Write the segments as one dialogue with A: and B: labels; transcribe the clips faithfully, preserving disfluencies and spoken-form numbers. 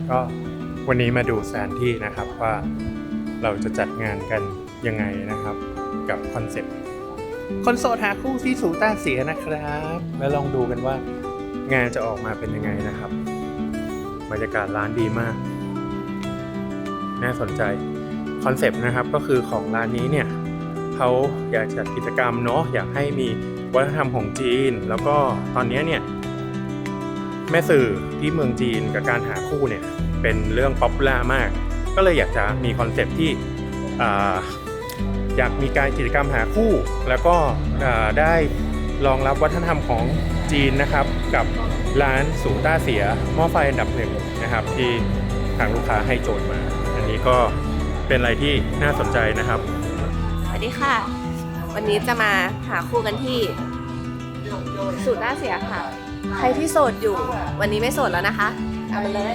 A: ก็วันนี้มาดูสถานที่นะครับว่าเราจะจัดงานกันยังไงนะครับกับคอนเซ็ปต์คนโสดหาคู่ที่สูต้าเสียนะครับแล้วลองดูกันว่างานจะออกมาเป็นยังไงนะครับบรรยากาศร้านดีมากน่าสนใจคอนเซ็ปต์นะครับก็คือของร้านนี้เนี่ยเขาอยากจัดกิจกรรมเนาะอยากให้มีวัฒนธรรมของจีนแล้วก็ตอนนี้เนี่ยแม่สื่อที่เมืองจีนกับการหาคู่เนี่ยเป็นเรื่องป๊อปปูล่ามากก็เลยอยากจะมีคอนเซ็ปต์ที่อยากมีการกิจกรรมหาคู่แล้วก็ได้รองรับวัฒนธรรมของจีนนะครับกับร้านสูต้าเสียหม้อไฟอันดับหนึ่งนะครับที่ทางลูกค้าให้โจทย์มาอันนี้ก็เป็นอะไรที่น่าสนใจนะครับ
B: สวัสดีค่ะวันนี้จะมาหาคู่กันที่สูต้าเสียค่ะใครที่โสดอยู่วันนี้ไม่โสดแล้วนะคะเอาไปเลย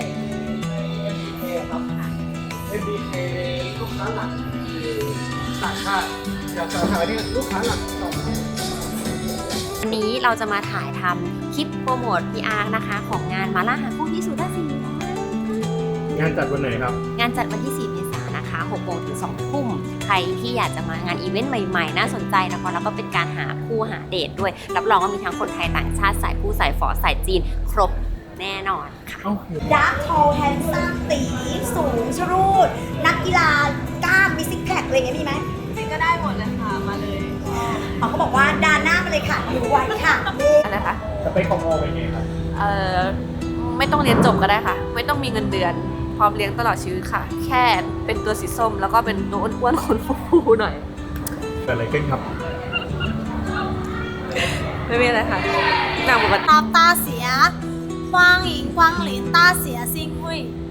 C: เอ็ม บี เค ลูกค้าหลักคือต่างชาติอยากจะหาที่ลูกค้าหลักต่อ
B: วันนี้เราจะมาถ่ายทำคลิปโปรโมท พี อาร์ นะคะของงานมาล่าหาคู่ที่สูต้าเสีย
A: งานจัดวันไหนครับ
B: งานจัดวันที่สี่เมษายนนะคะหกโมงถึงสองทุ่มใครที่อยากจะมางานอีเวนต์ใหม่ๆน่าสนใจนะคะแล้วก็เป็นการหาคู่หาเดทด้วยรับรองว่ามีทั้งคนไทยต่างชาติสายผู้สายฝอสายจีนครบแน่นอนค่ะ
D: ดาร์กโทแฮนซัมตีสูงชรูดนักกีฬากล้ามมีซิกแพคอะไรเงี้ยมีไหม
B: ซิกก็ได้หมดเลยค่ะมาเลย
D: เขาก็บอกว่าดานหน้ามาเลยค่ะอยู่ไว้ค่ะ
B: อะไรคะ
A: สเปคของโมเป็นไงครับ
B: เอ่อไม่ต้องเรียนจบก็ได้ค่ะไม่ต้องมีเงินเดือนพร้อมเลี้ยงตลอดชีวิตค่ะแค่เป็นตัวสีส้มแล้วก็เป็นตัวอ้วนๆคนฟูๆหน่อย
A: เกิดอะไรขึ้นครับ
B: ไม่มีอะไรค่ะหนังปกติ
D: ตาตาเสีย欢迎光临大เสียซิ่งหุย